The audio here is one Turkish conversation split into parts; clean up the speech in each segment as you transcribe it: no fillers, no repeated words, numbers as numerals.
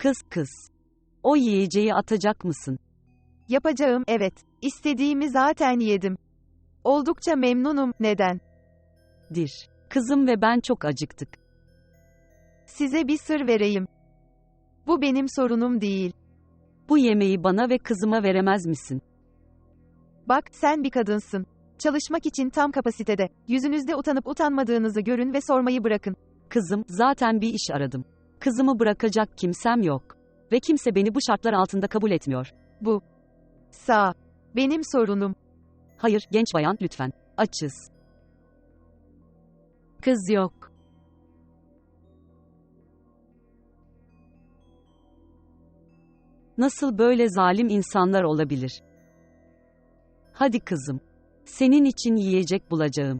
Kız. O yiyeceği atacak mısın? Yapacağım, evet. İstediğimi zaten yedim. Oldukça memnunum, neden? Kızım ve ben çok acıktık. Size bir sır vereyim. Bu benim sorunum değil. Bu yemeği bana ve kızıma veremez misin? Bak, sen bir kadınsın. Çalışmak için tam kapasitede. Yüzünüzde utanıp utanmadığınızı görün ve sormayı bırakın. Kızım, zaten bir iş aradım. Kızımı bırakacak kimsem yok. Ve kimse beni bu şartlar altında kabul etmiyor. Bu. Benim sorunum. Hayır, genç bayan, lütfen. Açız. Kız yok. Nasıl böyle zalim insanlar olabilir? Hadi kızım. Senin için yiyecek bulacağım.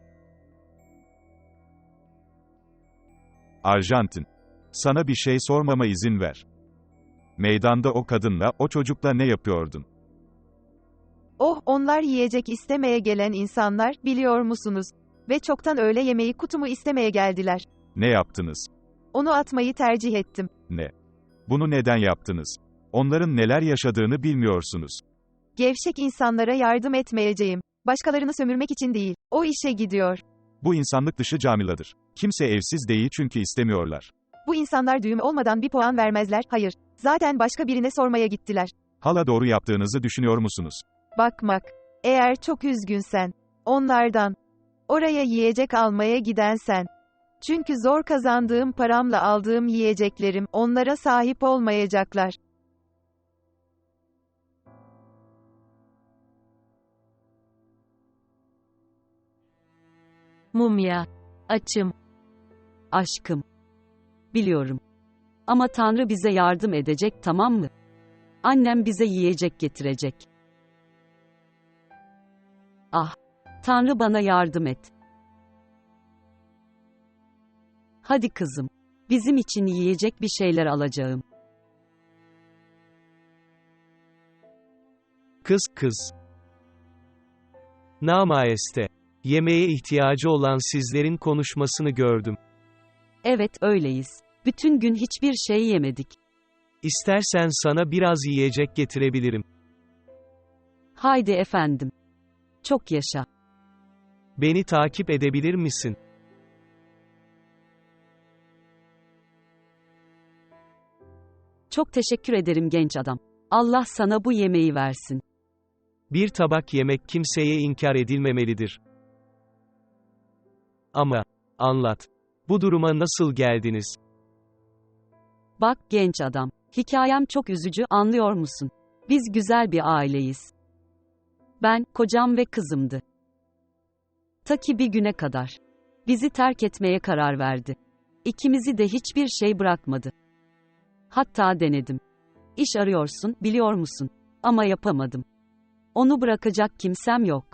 Arjantin. Sana bir şey sormama izin ver. Meydanda o kadınla, o çocukla ne yapıyordun? Oh, onlar yiyecek istemeye gelen insanlar, biliyor musunuz? Ve çoktan öğle yemeği kutumu istemeye geldiler. Ne yaptınız? Onu atmayı tercih ettim. Ne? Bunu neden yaptınız? Onların neler yaşadığını bilmiyorsunuz. Gevşek insanlara yardım etmeyeceğim. Başkalarını sömürmek için değil. O işe gidiyor. Bu insanlık dışı camiladır. Kimse evsiz değil çünkü istemiyorlar. Bu insanlar düğüm olmadan bir puan vermezler, hayır. Zaten başka birine sormaya gittiler. Hala doğru yaptığınızı düşünüyor musunuz? Bakmak. Eğer çok üzgünsen. Onlardan. Oraya yiyecek almaya gidensen. Çünkü zor kazandığım paramla aldığım yiyeceklerim, onlara sahip olmayacaklar. Mumya. Açım. Aşkım. Biliyorum. Ama Tanrı bize yardım edecek, tamam mı? Annem bize yiyecek getirecek. Ah. Tanrı bana yardım et. Hadi kızım. Bizim için yiyecek bir şeyler alacağım. Kız. Namaste. Yemeğe ihtiyacı olan sizlerin konuşmasını gördüm. Evet, öyleyiz. Bütün gün hiçbir şey yemedik. İstersen sana biraz yiyecek getirebilirim. Haydi efendim. Çok yaşa. Beni takip edebilir misin? Çok teşekkür ederim genç adam. Allah sana bu yemeği versin. Bir tabak yemek kimseye inkar edilmemelidir. Ama, anlat. Bu duruma nasıl geldiniz? Bak genç adam, hikayem çok üzücü, anlıyor musun? Biz güzel bir aileyiz. Ben, kocam ve kızımdı. Ta ki bir güne kadar. Bizi terk etmeye karar verdi. İkimizi de hiçbir şey bırakmadı. Hatta denedim. İş arıyorsun, biliyor musun? Ama yapamadım. Onu bırakacak kimsem yok.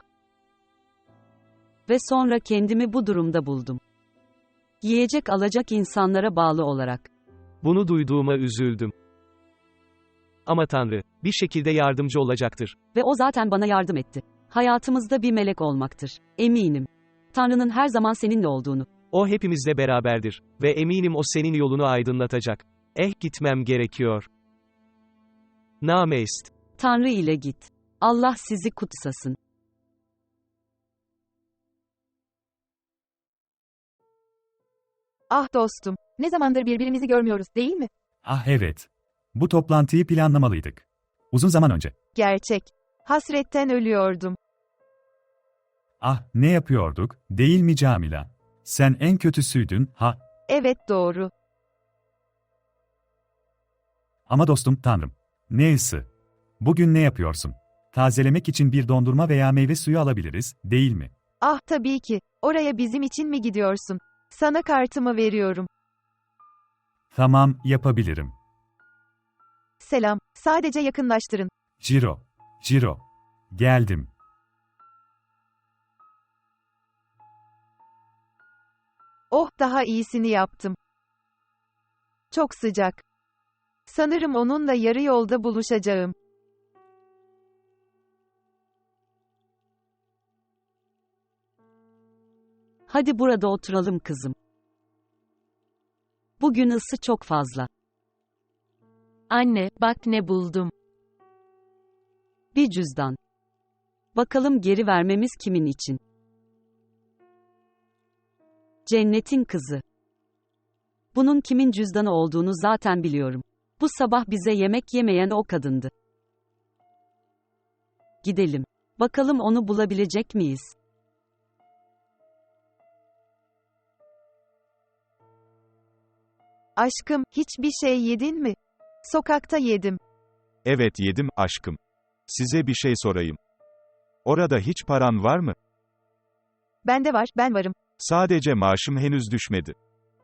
Ve sonra kendimi bu durumda buldum. Yiyecek alacak insanlara bağlı olarak. Bunu duyduğuma üzüldüm. Ama Tanrı, bir şekilde yardımcı olacaktır. Ve o zaten bana yardım etti. Hayatımızda bir melek olmaktır. Eminim. Tanrı'nın her zaman seninle olduğunu. O hepimizle beraberdir. Ve eminim o senin yolunu aydınlatacak. Gitmem gerekiyor. Namest. Tanrı ile git. Allah sizi kutsasın. Ah dostum, ne zamandır birbirimizi görmüyoruz, değil mi? Ah evet. Bu toplantıyı planlamalıydık. Uzun zaman önce. Gerçek. Hasretten ölüyordum. Ah ne yapıyorduk, değil mi Camila? Sen en kötüsüydün, ha? Evet, doğru. Ama dostum Tanrım. Ne ısı? Bugün ne yapıyorsun? Tazelemek için bir dondurma veya meyve suyu alabiliriz, değil mi? Ah tabii ki. Oraya bizim için mi gidiyorsun? Sana kartımı veriyorum. Tamam, yapabilirim. Selam. Sadece yakınlaştırın. Ciro. Geldim. Oh, daha iyisini yaptım. Çok sıcak. Sanırım onunla yarı yolda buluşacağım. Hadi burada oturalım kızım. Bugün ısı çok fazla. Anne, bak ne buldum. Bir cüzdan. Bakalım geri vermemiz kimin için? Cennetin kızı. Bunun kimin cüzdanı olduğunu zaten biliyorum. Bu sabah bize yemek yemeyen o kadındı. Gidelim. Bakalım onu bulabilecek miyiz? Aşkım, hiçbir şey yedin mi? Sokakta yedim. Evet yedim, aşkım. Size bir şey sorayım. Orada hiç paran var mı? Bende var, ben varım. Sadece maaşım henüz düşmedi.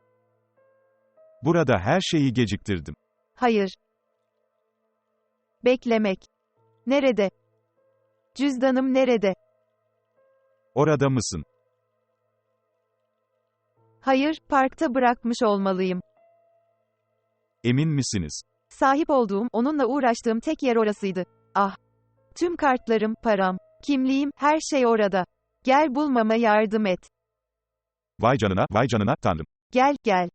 Burada her şeyi geciktirdim. Hayır. Beklemek. Nerede? Cüzdanım nerede? Orada mısın? Hayır, parkta bırakmış olmalıyım. Emin misiniz? Sahip olduğum, onunla uğraştığım tek yer orasıydı. Ah! Tüm kartlarım, param, kimliğim, her şey orada. Gel bulmama yardım et. Vay canına, tanrım. Gel, gel.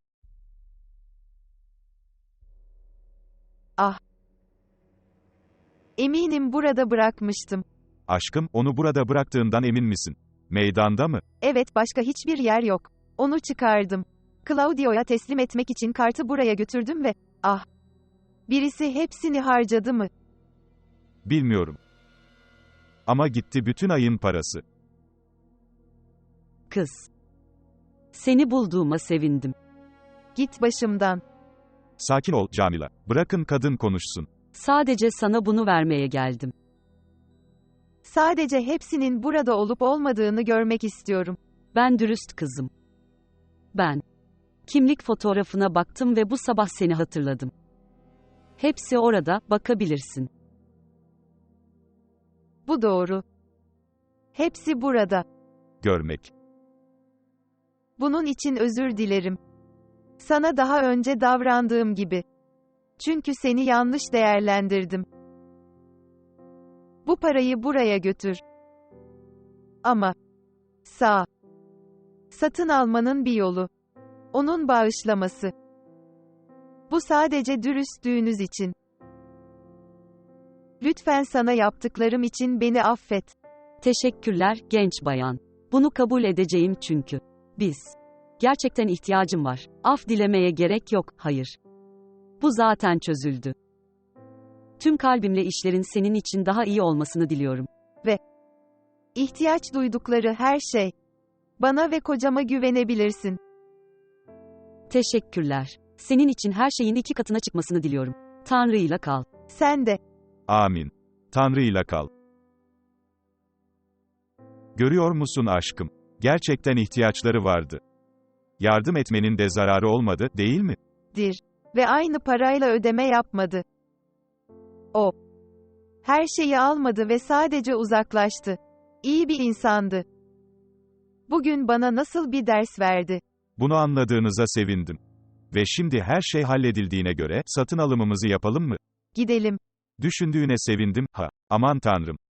Ah! Eminim burada bırakmıştım. Aşkım, onu burada bıraktığından emin misin? Meydanda mı? Evet, başka hiçbir yer yok. Onu çıkardım. Claudio'ya teslim etmek için kartı buraya götürdüm ve, ah! Birisi hepsini harcadı mı? Bilmiyorum. Ama gitti bütün ayın parası. Kız. Seni bulduğuma sevindim. Git başımdan. Sakin ol, Camila. Bırakın kadın konuşsun. Sadece sana bunu vermeye geldim. Sadece hepsinin burada olup olmadığını görmek istiyorum. Ben dürüst kızım. Ben. Kimlik fotoğrafına baktım ve bu sabah seni hatırladım. Hepsi orada, bakabilirsin. Bu doğru. Hepsi burada. Görmek. Bunun için özür dilerim. Sana daha önce davrandığım gibi. Çünkü seni yanlış değerlendirdim. Bu parayı buraya götür. Ama satın almanın bir yolu. Onun bağışlaması. Bu sadece dürüstlüğünüz için. Lütfen sana yaptıklarım için beni affet. Teşekkürler, genç bayan. Bunu kabul edeceğim çünkü. Biz. Gerçekten ihtiyacım var. Af dilemeye gerek yok, hayır. Bu zaten çözüldü. Tüm kalbimle işlerin senin için daha iyi olmasını diliyorum. İhtiyaç duydukları her şey. Bana ve kocama güvenebilirsin. Teşekkürler. Senin için her şeyin 2 katına çıkmasını diliyorum. Tanrı'yla kal. Sen de. Amin. Tanrı'yla kal. Görüyor musun aşkım? Gerçekten ihtiyaçları vardı. Yardım etmenin de zararı olmadı, değil mi? Ve aynı parayla ödeme yapmadı. O. Her şeyi almadı ve sadece uzaklaştı. İyi bir insandı. Bugün bana nasıl bir ders verdi. Bunu anladığınıza sevindim. Ve şimdi her şey halledildiğine göre, satın alımımızı yapalım mı? Gidelim. Düşündüğüne sevindim, ha. Aman tanrım.